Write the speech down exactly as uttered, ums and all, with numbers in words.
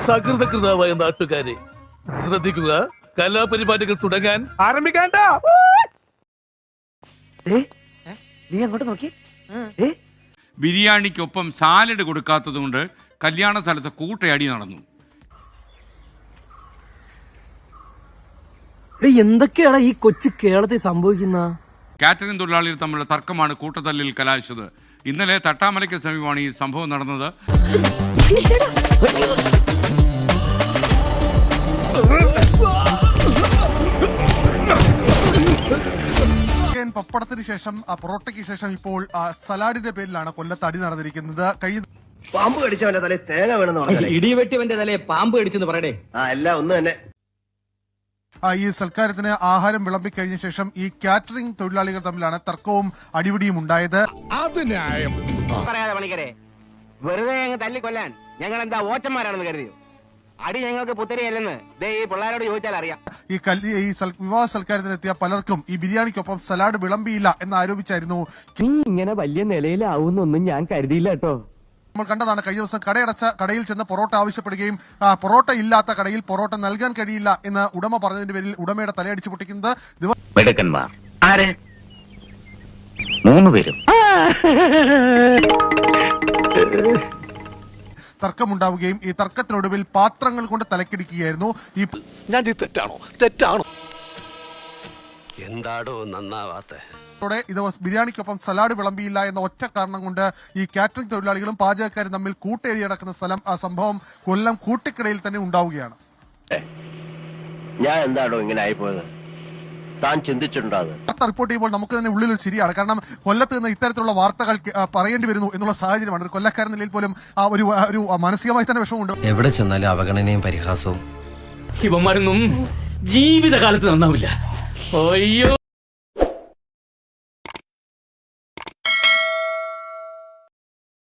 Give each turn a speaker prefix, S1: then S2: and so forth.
S1: സകൃതകൃതാവായ നാട്ടുകാരെ ശ്രദ്ധിക്കുക, കലാപരിപാടികൾ തുടങ്ങാൻ ആരംഭിക്കാണ്ട.
S2: നീ അങ്ങോട്ട് നോക്കി.
S3: ബിരിയാണിക്കൊപ്പം സാലഡ് കൊടുക്കാത്തതുകൊണ്ട് കല്യാണ സ്ഥലത്ത് കൂട്ടയടി നടന്നു.
S2: എന്തൊക്കെയാണ് ഈ കൊച്ചു കേരളത്തിൽ സംഭവിക്കുന്ന?
S3: കാറ്ററിംഗ് തൊഴിലാളികൾ തമ്മിലുള്ള തർക്കമാണ് കൂട്ടത്തല്ലിൽ കലാശിച്ചത്. ഇന്നലെ തട്ടാമലയ്ക്ക് സമീപമാണ് ഈ സംഭവം നടന്നത്.
S4: പപ്പടത്തിന് ശേഷം പൊറോട്ടയ്ക്ക് ശേഷം ഇപ്പോൾ സലാഡിന്റെ പേരിലാണ് കൊല്ലത്ത് അടി നടന്നിരിക്കുന്നത്. കഴിഞ്ഞ
S5: പാമ്പ് കടിച്ചവന്റെ തലയിൽ തേങ്ങ വേണമെന്ന് പറഞ്ഞു,
S6: ഇടിവെട്ടിവന്റെ തലയെ പാമ്പ് കടിച്ചെന്ന് പറയടേ.
S5: ആ എല്ലാം ഒന്ന് തന്നെ.
S4: ഈ സൽക്കാരത്തിന് ആഹാരം വിളമ്പിക്കഴിഞ്ഞ ശേഷം ഈ കാറ്ററിംഗ് തൊഴിലാളികൾ തമ്മിലാണ് തർക്കവും അടിപിടിയും ഉണ്ടായത്.
S6: പറയാതെ പണിക്കരെ, വെറുതെ അങ്ങ് തല്ലിക്കൊല്ലാൻ ഞങ്ങൾ എന്താ ഓച്ചന്മാരാണെന്ന് കരുതിയോ? അടി ഞങ്ങൾക്ക് പുത്തരിയല്ലെന്ന് ദേ ഈ പിള്ളേരോട് ചോദിച്ചാൽ അറിയാം.
S4: ഈ കല്യ ഈ വിവാഹ സൽക്കാരത്തിനെത്തിയ പലർക്കും ഈ ബിരിയാണിക്കൊപ്പം സലാഡ് വിളമ്പിയില്ല എന്ന് ആരോപിച്ചായിരുന്നു.
S2: നീ ഇങ്ങനെ വലിയ നിലയിലാവുന്നൊന്നും ഞാൻ കരുതിയില്ല കേട്ടോ.
S4: നമ്മൾ കണ്ടതാണ് കഴിഞ്ഞ ദിവസം കടയടച്ച കടയിൽ ചെന്ന് പൊറോട്ട ആവശ്യപ്പെടുകയും പൊറോട്ട ഇല്ലാത്ത കടയിൽ പൊറോട്ട നൽകാൻ കഴിയില്ല എന്ന് ഉടമ പറഞ്ഞതിന്റെ പേരിൽ ഉടമയുടെ തലയടിച്ചു പൊട്ടിക്കുന്നത്. തർക്കമുണ്ടാവുകയും ഈ തർക്കത്തിനൊടുവിൽ പാത്രങ്ങൾ കൊണ്ട് തലക്കിടിക്കുകയായിരുന്നു. ഈ
S7: ഞാൻ തെറ്റാണോ തെറ്റാണോ എന്താടോ നന്നാവാത്ത
S4: ഇത് ബിരിയാണിക്കൊപ്പം സലാഡ് വിളമ്പിയില്ല എന്ന ഒറ്റ കാരണം കൊണ്ട് ഈ കാറ്ററിംഗ് തൊഴിലാളികളും പാചകക്കാരും തമ്മിൽ കൂട്ടേറി നടക്കുന്ന സ്ഥലം ആ സംഭവം കൊല്ലം കൂട്ടിക്കടയിൽ തന്നെ ഉണ്ടാവുകയാണ്.
S5: ഞാൻ എന്താണോ ഇങ്ങനെ ആയിപ്പോയത്, താൻ ചിന്തിച്ചിട്ടുണ്ടോ?
S4: വാർത്ത റിപ്പോർട്ട് ചെയ്യുമ്പോൾ നമുക്ക് തന്നെ ഉള്ളിലൊരു ചിരിയാണ്. കാരണം കൊല്ലത്ത് നിന്ന് ഇത്തരത്തിലുള്ള വാർത്തകൾ പറയേണ്ടി വരുന്നു എന്നുള്ള സാഹചര്യമാണ്. ഒരു കൊല്ലക്കാരൻ നിലയിൽ പോലും ആ ഒരു ഒരു മാനസികമായി തന്നെ വിഷമമുണ്ട്.
S8: എവിടെ ചെന്നാലും അവഗണനയും പരിഹാസവും.
S6: ഇവന്മാരൊന്നും ജീവിതകാലത്ത് നന്നാവില്ല. അയ്യോ.